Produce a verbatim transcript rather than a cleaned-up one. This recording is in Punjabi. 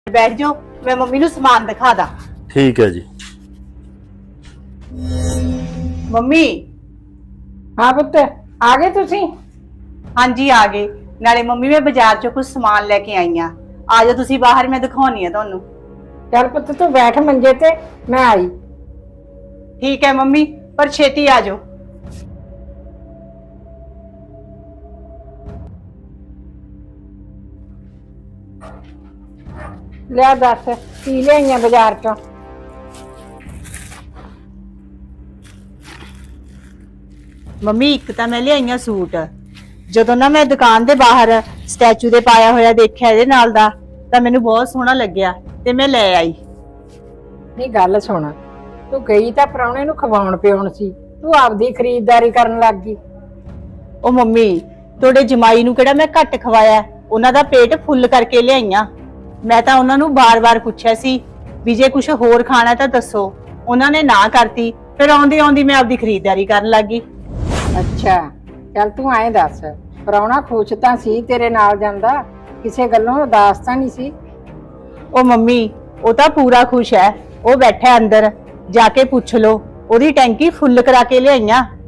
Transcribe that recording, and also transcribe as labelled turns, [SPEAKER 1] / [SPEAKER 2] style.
[SPEAKER 1] बैठ जाओ, मैं मम्मी नू समान दिखा दा।
[SPEAKER 2] ठीक है जी।
[SPEAKER 1] मम्मी।
[SPEAKER 3] हाँ पुत्त, आ गए तुसी?
[SPEAKER 1] हाँ जी आ गए। नाले मम्मी मैं बाजार चो कुछ समान लेके आई हाँ। आ जाओ तुसी बाहर, मैं दिखानी है तुहानू।
[SPEAKER 3] चल पुत्त तू बैठ मंजे ते, मैं आई।
[SPEAKER 1] ठीक है मम्मी, पर छेती आ जाओ।
[SPEAKER 3] लिया दस की लिया बाजार चो?
[SPEAKER 1] मम्मी एक तो मैं लियाई सूट, ਜਦੋਂ ਨਾ मैं दुकान के बाहर स्टैचू ਦੇ ਪਾਇਆ ਹੋਇਆ ਦੇਖਿਆ ਇਹਦੇ ਨਾਲ ਦਾ ਤਾਂ ਮੈਨੂੰ ਬਹੁਤ ਸੋਹਣਾ ਲੱਗਿਆ ਤੇ ਮੈਂ ਲੈ ਆਈ।
[SPEAKER 3] ਨਹੀਂ ਗੱਲ ਸੁਣ, ਤੂੰ ਗਈ ਤਾਂ ਪ੍ਰਾਹੁਣੇ ਨੂੰ ਖਵਾਉਣ ਪਿਉਣ ਸੀ, ਤੂੰ ਆਪਦੀ ਖਰੀਦਦਾਰੀ ਕਰਨ ਲੱਗ ਗਈ।
[SPEAKER 1] ਉਹ ਮੰਮੀ ਤੁਹਾਡੇ ਜਮਾਈ ਨੂੰ ਕਿਹੜਾ ਮੈਂ ਘੱਟ ਖਵਾਇਆ, ਉਹਨਾਂ ਦਾ ਪੇਟ ਫੁੱਲ ਕਰਕੇ ਲਿਆਈਆਂ। ਮੈਂ ਤਾਂ ਉਹਨਾਂ ਨੂੰ ਬਾਰ-ਬਾਰ ਪੁੱਛਿਆ ਸੀ ਵੀ ਜੇ ਕੁਝ ਹੋਰ ਖਾਣਾ ਤਾਂ ਦੱਸੋ, ਉਹਨਾਂ ਨੇ ਨਾ ਕਰਤੀ। ਫਿਰ ਆਉਂਦੀ ਆਉਂਦੀ ਮੈਂ ਆਪਦੀ ਖਰੀਦਦਾਰੀ ਕਰਨ ਲੱਗ ਗਈ।
[SPEAKER 3] ਅੱਛਾ ਚੱਲ ਤੂੰ ਐਂ ਦੱਸ, ਪ੍ਰਾਹੁਣਾ ਖੁਸ਼ ਤਾਂ ਸੀ ਤੇਰੇ ਨਾਲ ਜਾਂਦਾ, ਕਿਸੇ ਗੱਲੋਂ ਉਦਾਸ ਤਾਂ ਨਹੀਂ ਸੀ?
[SPEAKER 1] ਉਹ ਮੰਮੀ ਉਹ ਤਾਂ ਪੂਰਾ ਖੁਸ਼ ਹੈ, ਉਹ ਬੈਠਾ ਅੰਦਰ, ਜਾ ਕੇ ਪੁੱਛ ਲੋ, ਉਹਦੀ ਟੈਂਕੀ ਫੁੱਲ ਕਰਾ ਕੇ ਲਿਆਈਆਂ।